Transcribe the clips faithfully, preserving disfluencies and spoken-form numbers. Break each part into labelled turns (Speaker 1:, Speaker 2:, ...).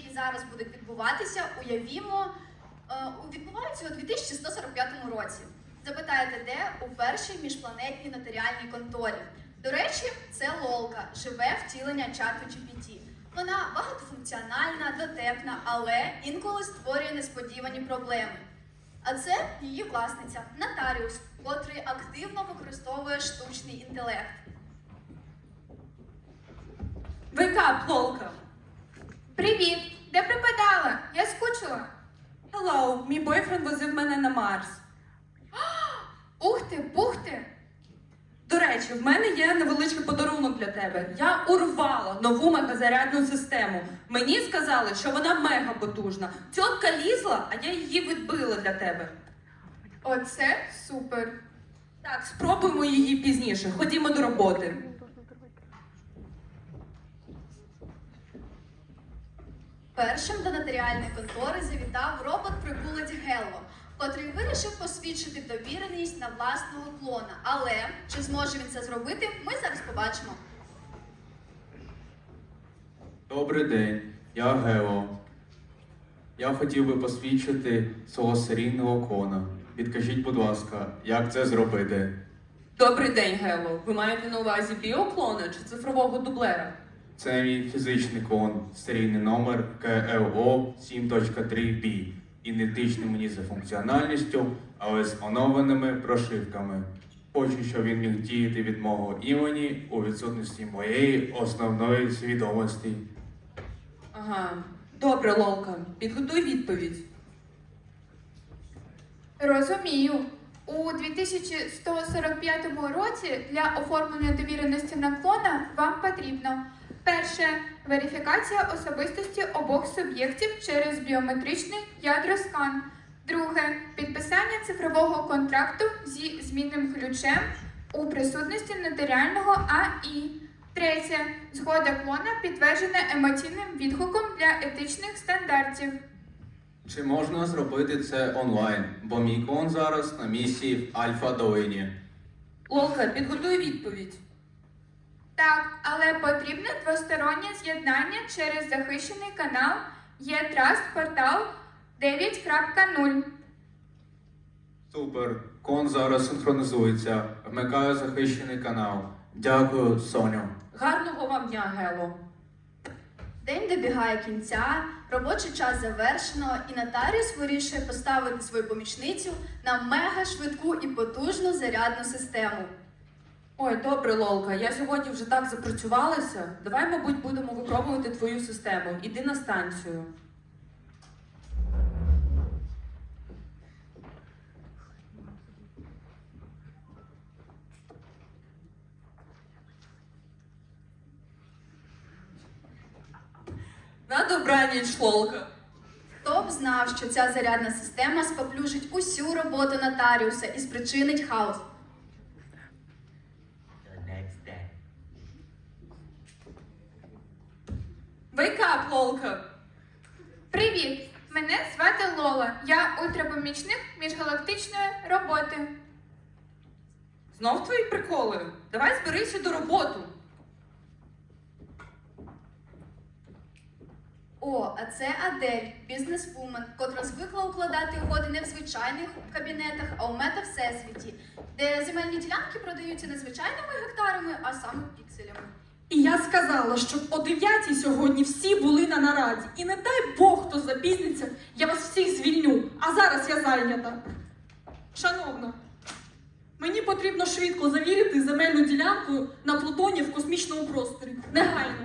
Speaker 1: які зараз будуть відбуватися, уявімо, е, відбуваються у дві тисячі сто сорок п'ятому році. Запитаєте, де? У першій міжпланетній нотаріальній конторі. До речі, це Лолка, живе втілення чату джі пі ті. Вона багатофункціональна, дотепна, але інколи створює несподівані проблеми. А це її власниця, нотаріус, котрий активно використовує штучний інтелект.
Speaker 2: Вейкап, Лолка!
Speaker 3: Привіт! Де пропадала? Я скучила.
Speaker 2: Hello, мій бойфренд возив мене на Марс.
Speaker 3: Ух ти, бух ти!
Speaker 2: До речі, в мене є невеличкий подарунок для тебе. Я урвала нову мегазарядну систему. Мені сказали, що вона мега потужна. Тітка лізла, а я її відбила для тебе.
Speaker 3: Оце супер!
Speaker 2: Так, спробуємо її пізніше. Ходімо до роботи.
Speaker 1: Першим до нотаріальної контори завітав робот-прибулець Гелло, котрий вирішив посвідчити довіреність на власного клона. Але чи зможе він це зробити, ми зараз побачимо.
Speaker 4: Добрий день, я Гео. Я хотів би посвідчити свого серійного клона. Підкажіть, будь ласка, як це зробити?
Speaker 2: Добрий день, Гело. Ви маєте на увазі біоклона чи цифрового дублера?
Speaker 4: Це мій фізичний клон, серійний номер ка ел о сім три бі. Ідентичний мені за функціональністю, але з оновленими прошивками. Хочу, щоб він міг діяти від мого імені у відсутності моєї основної свідомості.
Speaker 2: Ага. Добре, Лолка. Підготуй відповідь.
Speaker 3: Розумію. У дві тисячі сто сорок п'ятому році для оформлення довіреності на клона вам потрібно: перше – верифікація особистості обох суб'єктів через біометричний ядроскан. Друге – підписання цифрового контракту зі змінним ключем у присутності нотаріального а і. Третє – згода клона підтверджена емоційним відгуком для етичних стандартів.
Speaker 4: Чи можна зробити це онлайн? Бо мій клон зараз на місії в Альфа-Долині.
Speaker 2: Лолка, підготуй відповідь.
Speaker 3: Так, але потрібне двостороннє з'єднання через захищений канал Є-Траст портал дев'ять крапка нуль.
Speaker 4: Супер. Клон зараз синхронізується. Вмикаю захищений канал. Дякую, Соню.
Speaker 2: Гарного вам дня, Гело.
Speaker 1: День добігає кінця, робочий час завершено, і нотаріус вирішує поставити свою помічницю на мега швидку і потужну зарядну систему.
Speaker 2: Ой, добре, Лолка, я сьогодні вже так запрацювалася. Давай, мабуть, будемо випробувати твою систему. Іди на станцію. На добраніч, Лолка.
Speaker 1: Хто б знав, що ця зарядна система споплюжить усю роботу нотаріуса і спричинить хаос.
Speaker 5: The next day.
Speaker 2: Вейкап, Лолка.
Speaker 3: Привіт! Мене звати Лола. Я ультрапомічник міжгалактичної роботи.
Speaker 2: Знов твої приколи? Давай зберися до роботи.
Speaker 1: О, а це Адель, бізнес-вумен, котра звикла укладати угоди не в звичайних кабінетах, а у мета-всесвіті, де земельні ділянки продаються не звичайними гектарами, а саме пікселями.
Speaker 6: І я сказала, щоб о дев'ятій сьогодні всі були на нараді. І не дай Бог, хто запізниться, я вас всіх звільню. А зараз я зайнята. Шановна, мені потрібно швидко завірити земельну ділянку на Плутоні в космічному просторі. Негайно.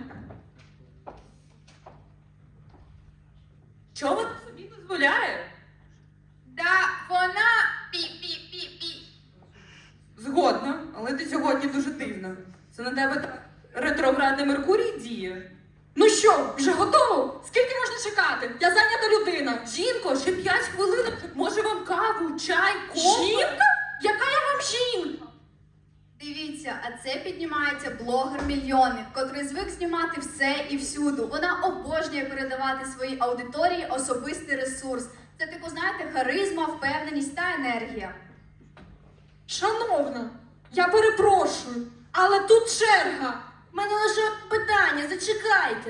Speaker 2: Чого вона собі дозволяє?
Speaker 3: Да, вона пі-пі-пі-пі.
Speaker 2: Згодна, але ти сьогодні дуже дивна. Це на тебе так ретроградний Меркурій діє.
Speaker 6: Ну що, вже готово? Скільки можна чекати? Я зайнята людина.
Speaker 2: Жінко, ще п'ять хвилин. Може вам каву, чай, кофе?
Speaker 6: Жінка? Яка я вам жінка?
Speaker 1: Дивіться, а це піднімається блогер-мільйонник, котрий звик знімати все і всюду. Вона обожнює передавати своїй аудиторії особистий ресурс. Це, типу, знаєте, харизма, впевненість та енергія.
Speaker 6: Шановна, я перепрошую, але тут черга.
Speaker 7: У мене лише питання, зачекайте.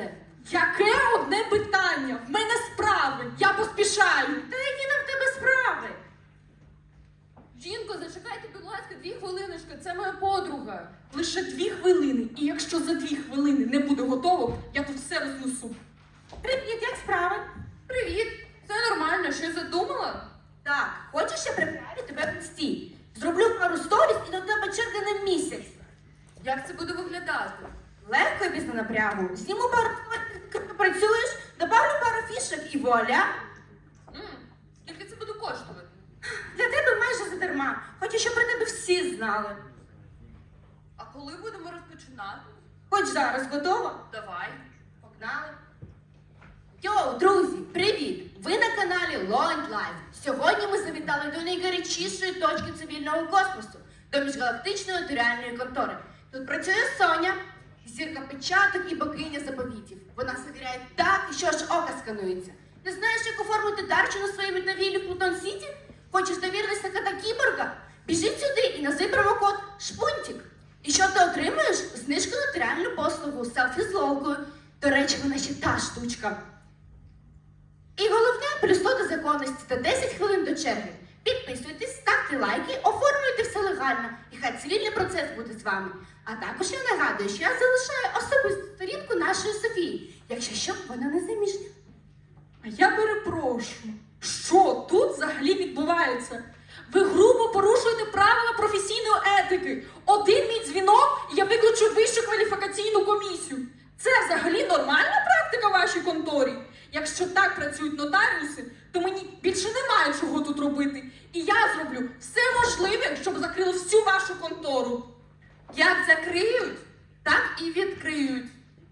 Speaker 6: Яке одне питання? В мене справи. Я поспішаю.
Speaker 2: Та які там в тебе справи? Жінко, зачекайте, будь ласка, дві хвилиночки, це моя подруга.
Speaker 6: Лише дві хвилини. І якщо за дві хвилини не буде готово, я тут все рознесу.
Speaker 2: Привіт, як справи? Привіт. Все нормально, щось задумала?
Speaker 5: Так, хочеш, я приправлю тебе в інсті? Зроблю пару сторіс і до тебе черги на місяць.
Speaker 2: Як це буде виглядати?
Speaker 5: Легко і без напрягу. Зніму пару фоток, працюєш, добавлю пару фішок і вуаля.
Speaker 2: М, Скільки це буде коштувати?
Speaker 5: Для тебе майже задарма. Хочу, щоб про тебе всі знали.
Speaker 2: А коли будемо розпочинати?
Speaker 5: Хоч зараз готова?
Speaker 2: Давай.
Speaker 5: Погнали. Йоу, друзі, привіт! Ви на каналі Launch Life. Сьогодні ми завітали до найгарячішої точки цивільного космосу, до міжгалактичної нотаріальної контори. Тут працює Соня, зірка печаток і богиня заповітів. Вона завіряє так, що аж око сканується. Не знаєш, як оформити дарчу на своїй вільновілі в Плутон Сіті? Хочеш довіритися кота кіборга? Біжи сюди і назви промокод «Шпунтик». І що ти отримаєш? Знижку на нотаріальну послугу селфі з лолкою. До речі, вона ще та штучка. І головне, плюс сто до законності та десять хвилин до черги. Підписуйтесь, ставте лайки, оформлюйте все легально, і хай цивільний процес буде з вами. А також я нагадую, що я залишаю особисту сторінку нашої Софії, якщо що, вона не заміжня.
Speaker 6: А я перепрошую. Що тут взагалі відбувається? Ви грубо порушуєте правила професійної етики. Один мій дзвінок, і я виключу вищу кваліфікаційну комісію. Це взагалі нормальна практика в вашій конторі? Якщо так працюють нотаріуси, то мені більше немає чого тут робити. І я зроблю все можливе, щоб закрили всю вашу контору.
Speaker 2: Як закриють, так і відкриють.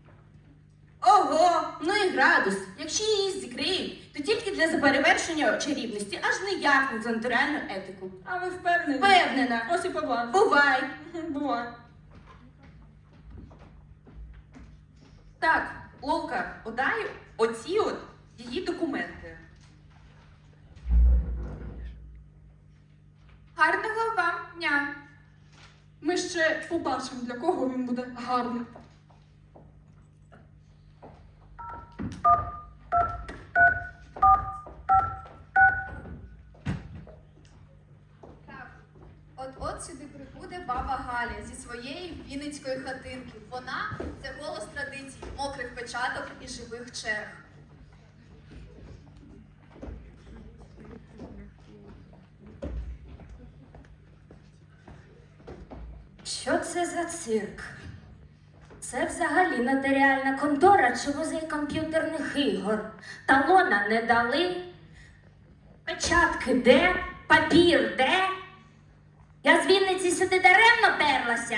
Speaker 5: Ого, ну і градус. Якщо її зікриють, то тільки для заперевершення чарівності, аж ніяк не за нотаріальну етику.
Speaker 6: А ви впевнені?
Speaker 5: Впевнена.
Speaker 6: Ось і побачимо.
Speaker 5: Бувай!
Speaker 6: Бувай.
Speaker 2: Так, Лолка, подай оці от її документи.
Speaker 3: Гарного вам дня!
Speaker 6: Ми ще побачимо, для кого він буде гарний.
Speaker 1: Так, от-от сюди прибуде баба Галя зі своєї вінницької хатинки. Вона – це голос традицій, мокрих печаток і живих черг.
Speaker 7: Що це за цирк? Це взагалі нотаріальна контора чи музей комп'ютерних ігор. Талона не дали. Печатки де? Папір де? Я з Вінниці сюди даремно перлася.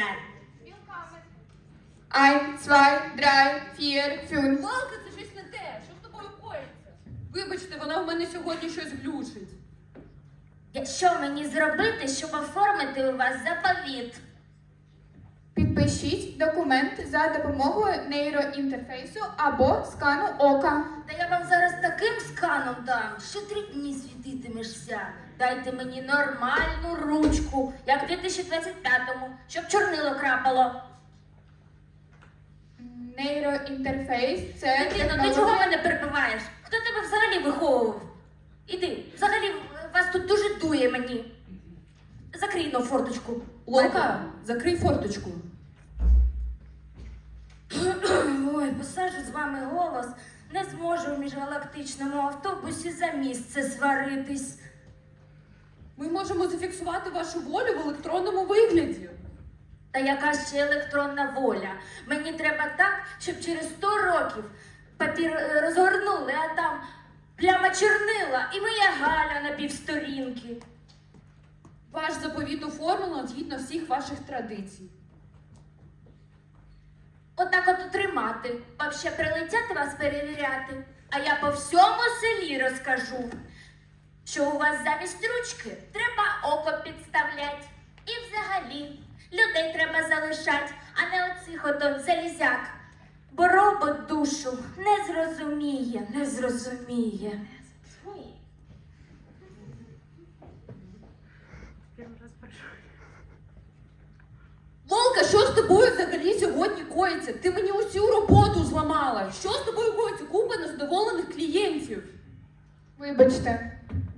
Speaker 3: Ein, zwei, drei, vier, fünf.
Speaker 2: Лолка, це щось не те. Що з тобою коїться? Вибачте, вона в мене сьогодні щось глючить.
Speaker 7: Що мені зробити, щоб оформити у вас заповіт?
Speaker 3: Підпишіть документ за допомогою нейроінтерфейсу або скану ока.
Speaker 7: Та я вам зараз таким сканом дам, що три дні світитимешся. Дайте мені нормальну ручку, як в дві тисячі двадцять п'ятому, щоб чорнило крапало.
Speaker 3: Нейроінтерфейс це
Speaker 7: Дитино, ти чого мене перебиваєш? Хто тебе взагалі виховував? Іди, взагалі вас тут дуже дує мені. Закрий но форточку.
Speaker 2: Лолка, закрий форточку.
Speaker 7: Ой, посаджу з вами голос. Не зможу в міжгалактичному автобусі за місце сваритись.
Speaker 2: Ми можемо зафіксувати вашу волю в електронному вигляді.
Speaker 7: Та яка ще електронна воля? Мені треба так, щоб через сто років папір е, розгорнули, а там пляма чорнила і моя Галя на півсторінки.
Speaker 2: Ваш заповіт оформлено згідно всіх ваших традицій.
Speaker 7: Отак от тримати. Вам ще прилетять вас перевіряти. А я по всьому селі розкажу, що у вас замість ручки треба око підставлять. І взагалі людей треба залишать, а не оцих ото залізяк. Бо робот душу не зрозуміє, не зрозуміє.
Speaker 1: Лолка, що з тобою?
Speaker 2: тобою взагалі сьогодні коїться? Ти мені усю роботу зламала. Що з тобою коїться? Купа незадоволених клієнтів.
Speaker 3: Вибачте.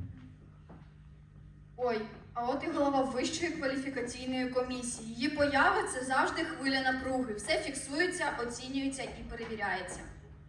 Speaker 1: Ой, а от і голова Вищої кваліфікаційної комісії. Її поява це завжди хвиля напруги. Все фіксується, оцінюється і перевіряється.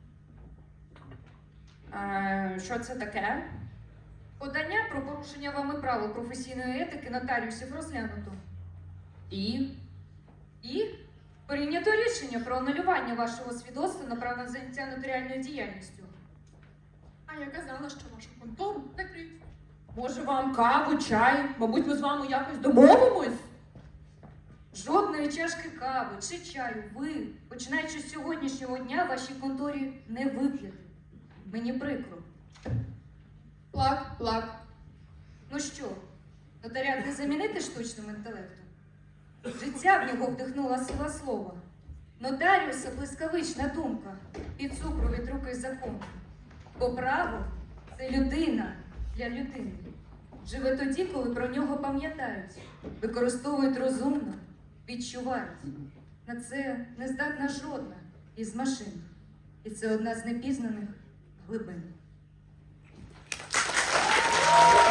Speaker 2: А, що це таке?
Speaker 8: Подання про порушення вами правил професійної етики нотаріусів розглянуто.
Speaker 2: І?
Speaker 8: І прийнято рішення про анулювання вашого свідоцтва на право на заняття нотаріальною діяльністю.
Speaker 6: А я казала, що вашу контору закриють.
Speaker 2: Може вам каву, чай? Мабуть, ми з вами якось домовимось?
Speaker 8: Жодної чашки кави чи чаю ви, починаючи з сьогоднішнього дня, в вашій конторі не вип'єте. Мені прикро.
Speaker 3: Плак, плак.
Speaker 8: Ну що, нотаріат не замінити штучним інтелектом? Життя в нього вдихнула сила слова. Нотаріуса блискавична думка, під супровід руки закону. Бо право це людина для людини. Живе тоді, коли про нього пам'ятають, використовують розумно, відчувають. На це не здатна жодна із машин. І це одна з непізнаних глибин.